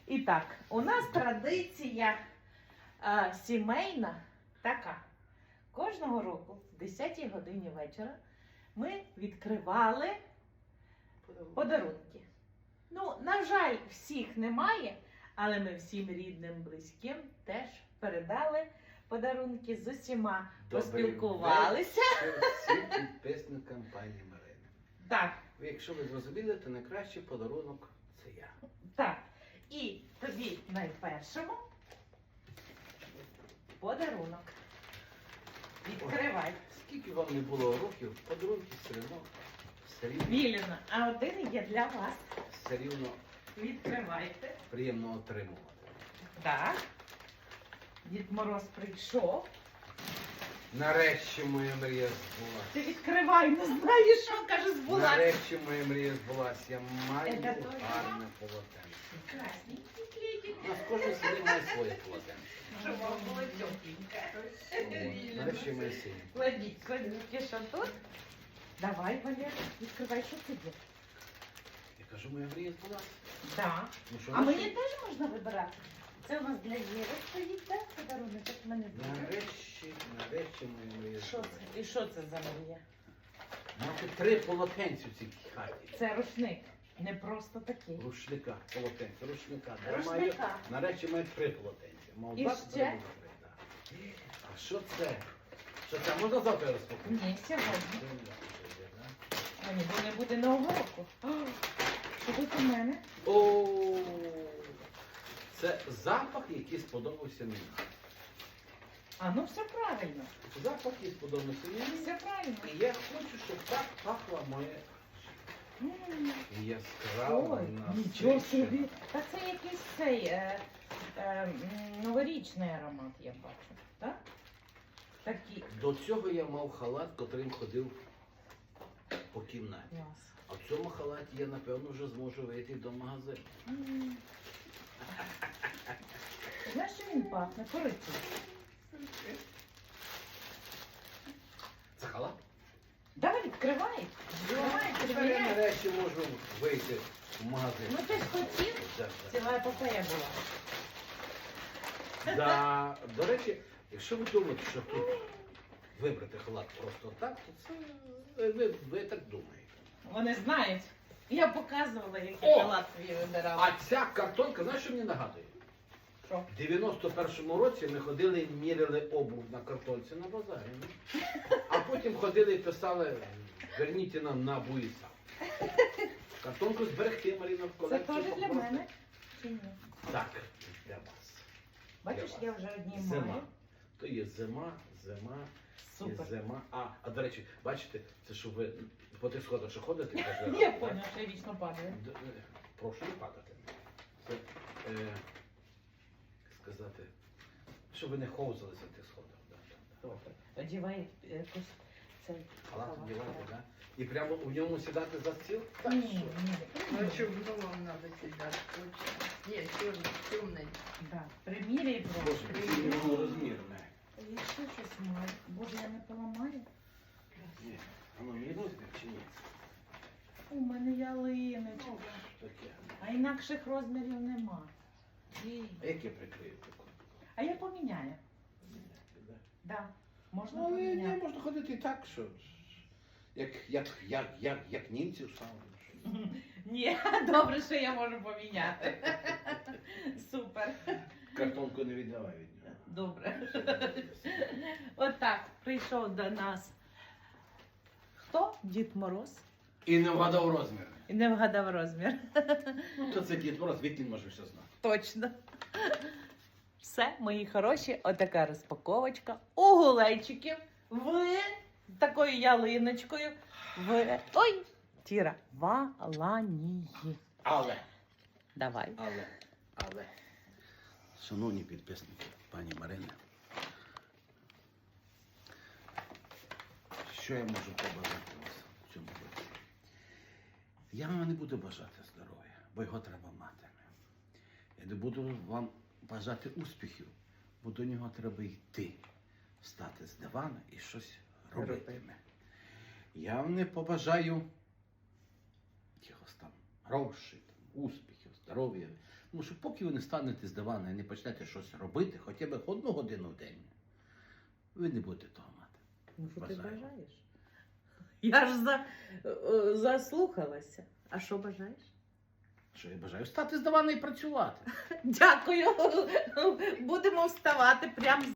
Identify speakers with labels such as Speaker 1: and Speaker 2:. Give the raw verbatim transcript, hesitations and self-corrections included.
Speaker 1: І так, у нас традиція а, сімейна така. Кожного року в десятій годині вечора ми відкривали подарунки. Ну, на жаль, всіх немає, але ми всім рідним, близьким теж передали подарунки, з усіма поспілкувалися.
Speaker 2: Всім підписникам пані Марини.
Speaker 1: Так.
Speaker 2: Якщо ви зрозуміли, то найкращий подарунок це я.
Speaker 1: Так. І тобі найпершому подарунок. Відкривай.
Speaker 2: Скільки вам не було років, подарунки все одно, все рівно,
Speaker 1: Віліна, а один є для вас.
Speaker 2: все рівно
Speaker 1: Відкривайте.
Speaker 2: приємно отримувати.
Speaker 1: Так. Дід Мороз прийшов.
Speaker 2: Нарешті моя мрія збулася.
Speaker 1: Ти відкривай, не знаєш, що каже збулася.
Speaker 2: Нарешті моя мрія збулася. Я маю
Speaker 1: Це точно?
Speaker 2: гарне полотенце.
Speaker 1: Красненький клітик.
Speaker 2: У нас кожен сім'ї має своє полотенце.
Speaker 1: Щоб вам було тепленьке.
Speaker 2: От. Нарешті моя сім'я.
Speaker 1: Кладіть, кладіть, що тут? Давай, Валер, відкривай, що це є.
Speaker 2: Я кажу, моя мрія збулася.
Speaker 1: Так.
Speaker 2: Ну, що
Speaker 1: А
Speaker 2: ви
Speaker 1: мені
Speaker 2: ще?
Speaker 1: теж можна вибирати. Це у нас для Єви стоїть, так? Подарунок, як в мене буде.
Speaker 2: Нарешті, нарешті моя мрія
Speaker 1: Що
Speaker 2: збулася.
Speaker 1: це? І що це за мрія?
Speaker 2: Мати три полотенця в цій хаті.
Speaker 1: Це рушник. Не просто такий.
Speaker 2: Рушника, полотенця, рушника. Я
Speaker 1: Рушника.
Speaker 2: маю, нарешті маю три полотенця. Мав
Speaker 1: І
Speaker 2: два,
Speaker 1: ще?
Speaker 2: тепер буду три, так. А що це? Що це? Можна завтра розпакувати?
Speaker 1: Ні, сьогодні. Мені бо не буде нового року. О, що тут у мене?
Speaker 2: О, це запах, який сподобався мені.
Speaker 1: А, ну все правильно.
Speaker 2: Запах, який сподобався мені.
Speaker 1: Все правильно.
Speaker 2: І я хочу, щоб так пахла моя
Speaker 1: М,
Speaker 2: яскрава,
Speaker 1: Ой, нічого
Speaker 2: насичена.
Speaker 1: собі. Та це якийсь цей е, е, м, новорічний аромат, я бачу. Так? Такий.
Speaker 2: До цього я мав халат, котрим ходив по кімнаті.
Speaker 1: Клас.
Speaker 2: А в цьому халаті я, напевно, вже зможу вийти до магазину.
Speaker 1: М. Знаєш, що він пахне? Корицею.
Speaker 2: Це халат?
Speaker 1: Давай, відкривай. Відкривай,
Speaker 2: Тепер я
Speaker 1: перевіряй.
Speaker 2: нарешті можу вийти в магазин.
Speaker 1: Ну ти ж хотів,
Speaker 2: Да,
Speaker 1: ціла епопея була.
Speaker 2: да. Да. До речі, якщо ви думаєте, що тут вибрати халат просто так, то це ви, ви, ви так думаєте.
Speaker 1: Вони знають. Я показувала, який
Speaker 2: О!
Speaker 1: халат твій вибирала.
Speaker 2: А ця картонка, знаєш, що мені нагадує?
Speaker 1: Що?
Speaker 2: В дев'яносто першому році ми ходили і міряли обув на картонці на базарі. ну. А потім ходили і писали, верніть нам на буїса. Картонку зберегти, Маріна, в
Speaker 1: Це
Speaker 2: колекцію.
Speaker 1: теж для
Speaker 2: попросити.
Speaker 1: мене? Чи ні?
Speaker 2: Так, для вас.
Speaker 1: Бачиш,
Speaker 2: Для
Speaker 1: я
Speaker 2: вас.
Speaker 1: вже одні
Speaker 2: Зима.
Speaker 1: маю.
Speaker 2: То є зима, зима,
Speaker 1: Супер.
Speaker 2: і зима. А, а до речі, бачите, це що ви по тих сходах, що ходите, каже,
Speaker 1: Я
Speaker 2: так?
Speaker 1: поняла, що я вічно падаю.
Speaker 2: Д- е, Прошу не падати. Це, е, як сказати, щоб ви не ховзалися в тих сходах. Да, да, да.
Speaker 1: Одівай якусь цей
Speaker 2: Халат
Speaker 1: халат.
Speaker 2: одягати, да? І прямо в ньому сідати за стіл? Так,
Speaker 1: Ні,
Speaker 2: що?
Speaker 1: ні.
Speaker 3: Ну, а что, в новом надо сидеть, точно. Нет, черный, темный.
Speaker 1: Да. Приміряй
Speaker 2: Боже,
Speaker 1: просто.
Speaker 2: який його розмір, не.
Speaker 1: Я ще щось маю. Боже, я не поламаю.
Speaker 2: Ні. А ну мені розмір чи ні?
Speaker 1: У мене ялиночка.
Speaker 2: Таке.
Speaker 1: А інакших розмірів нема.
Speaker 2: А як я прикрию таку?
Speaker 1: А я поміняю.
Speaker 2: Да.
Speaker 1: Да. Можна
Speaker 2: Ну, але ні,
Speaker 1: поміняти.
Speaker 2: можна ходити і так, що як, як, як, як, як німці в сауні.
Speaker 1: Ні, добре, що я можу поміняти. Супер.
Speaker 2: Картонку не віддавай від нього.
Speaker 1: Добре. Отак прийшов до нас. Хто? Дід Мороз.
Speaker 2: І не вгадав розмір.
Speaker 1: І не вгадав розмір.
Speaker 2: Ну, то це Дід Мороз, від він може все знати.
Speaker 1: Точно. Все, мої хороші, отака розпаковочка у гулейчиків в з такою ялиночкою в ой, Тіра, в Аланії.
Speaker 2: Але,
Speaker 1: Давай.
Speaker 2: але, але, шановні підписники, пані Марини, що я можу побажати вас в цьому році? Я вам не буду бажати здоров'я, бо його треба мати. Я не буду вам бажати успіхів, бо до нього треба йти, встати з дивана і щось робити. Я вам не побажаю якихось там грошей, там, успіхів, здоров'я. Тому що поки ви не станете з дивана і не почнете щось робити, хоча б одну годину в день, ви не будете того мати.
Speaker 1: Ну, що ти
Speaker 2: Бажаю.
Speaker 1: бажаєш? Я ж за, е, заслухалася. А що бажаєш?
Speaker 2: Що я бажаю? Встати з дивана і працювати.
Speaker 1: Дякую. Будемо вставати прямо